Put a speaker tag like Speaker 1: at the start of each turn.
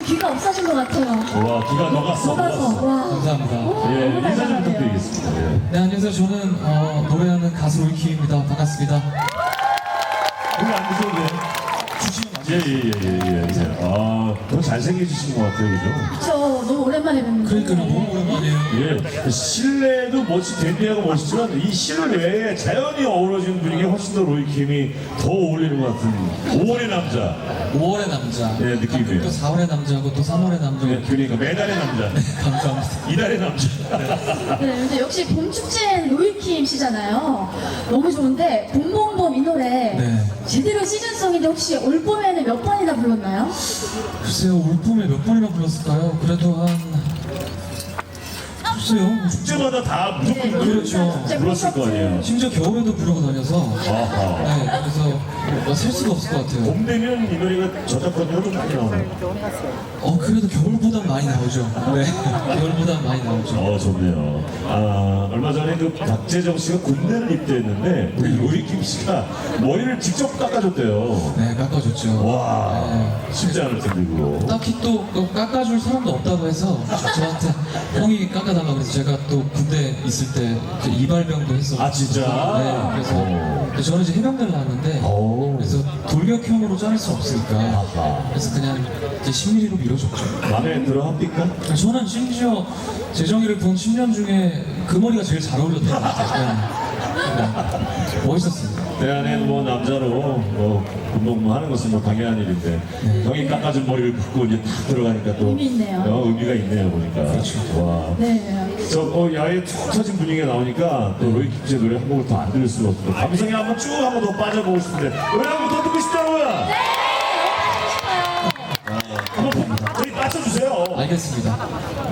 Speaker 1: 귀가 없어진 것 같아요.
Speaker 2: 와, 기가 녹았어.
Speaker 1: 와.
Speaker 3: 감사합니다.
Speaker 2: 예,
Speaker 1: 너무
Speaker 2: 인사 좀
Speaker 1: 달달하네요.
Speaker 2: 부탁드리겠습니다. 예.
Speaker 3: 네, 안녕하세요. 저는 노래하는 가수 로이킴입니다. 반갑습니다.
Speaker 2: 오늘 안 드셔도 돼요? 예. 아, 더 잘생겨지신 것 같아요, 그죠?
Speaker 1: 저 너무 오랜만에 뵙는
Speaker 3: 그러니까 너무 오랜만이에요.
Speaker 2: 예, 실내도 덴디하고 멋있지만 이 실외에 자연이 어우러지는 분위기가 훨씬 더 로이킴이 더 어울리는 것 같은 5월의 남자.
Speaker 3: 5월의 남자.
Speaker 2: 네, 느낌이에요.
Speaker 3: 가끔 또 4월의 남자고 또 3월의 남자고.
Speaker 2: 예, 그러니까 매달의 남자,
Speaker 3: 감사합니다.
Speaker 2: 이달의 남자.
Speaker 1: 네, 근데 역시 봄 축제는 로이킴 씨잖아요. 너무 좋은데 봄봄봄 이 노래
Speaker 3: 네.
Speaker 1: 제대로 시즌송인데 혹시 올 봄에는 몇 번이나 불렀나요?
Speaker 3: 글쎄요, 올 봄에 몇 번이나 불렀을까요? 그래도 한 글쎄요.
Speaker 2: 축제마다 다 무조건
Speaker 3: 그렇죠.
Speaker 2: 불렀을 거 아니에요.
Speaker 3: 심지어 겨울에도 부르고 다녀서.
Speaker 2: 아하.
Speaker 3: 네, 그래서 셀 수가 없을 것 같아요.
Speaker 2: 봄 되면 이 노래가 저작권료가 좀 많이 나오네요.
Speaker 3: 그래도 겨울보단 많이 나오죠. 네, 겨울보단 많이 나오죠.
Speaker 2: 좋네요. 아, 얼마 전에 그 박재정 씨가 군대를 입대했는데 우리 로이킴 씨가 머리를 직접 깎아줬대요.
Speaker 3: 네, 깎아줬죠.
Speaker 2: 와,
Speaker 3: 네.
Speaker 2: 쉽지 않을 텐데 그거.
Speaker 3: 딱히 또 깎아줄 사람도 없다고 해서 저한테 형이 깎아달라고 그래서 제가 또 군대 있을 때 그 이발병도 했었고.
Speaker 2: 아, 진짜?
Speaker 3: 네, 그래서 저는 이제 해병대를 나왔는데
Speaker 2: 오.
Speaker 3: 그래서 돌격형으로 자를 수 없으니까
Speaker 2: 아하.
Speaker 3: 그래서 그냥 이제 10mm로 밀어줬죠.
Speaker 2: 마음에 들어 합니까?
Speaker 3: 저는 심지어 재정이를 본 10년 중에 그 머리가 제일 잘 어울렸던 것 같아요. 그냥 멋있었습니다.
Speaker 2: 내 안에 뭐 남자로 운동 하는 것은 뭐 당연한 일인데 형이 깎아준 머리를 긋고 이제 탁 들어가니까 또
Speaker 1: 의미 있네요.
Speaker 2: 의미가 있네요 보니까.
Speaker 3: 그렇죠.
Speaker 2: 와.
Speaker 1: 네.
Speaker 2: 야외 툭 터진 분위기가 나오니까 또 로이킴 씨의 노래 한 곡을 더 안 들을 수가 없고 감성에 한번 쭉 한번 더 빠져보고 싶은데 노래 한번 더 듣고 싶다고요?
Speaker 1: 네, 너무 하고 싶어요.
Speaker 2: 한번 저희 빠져주세요.
Speaker 3: 알겠습니다.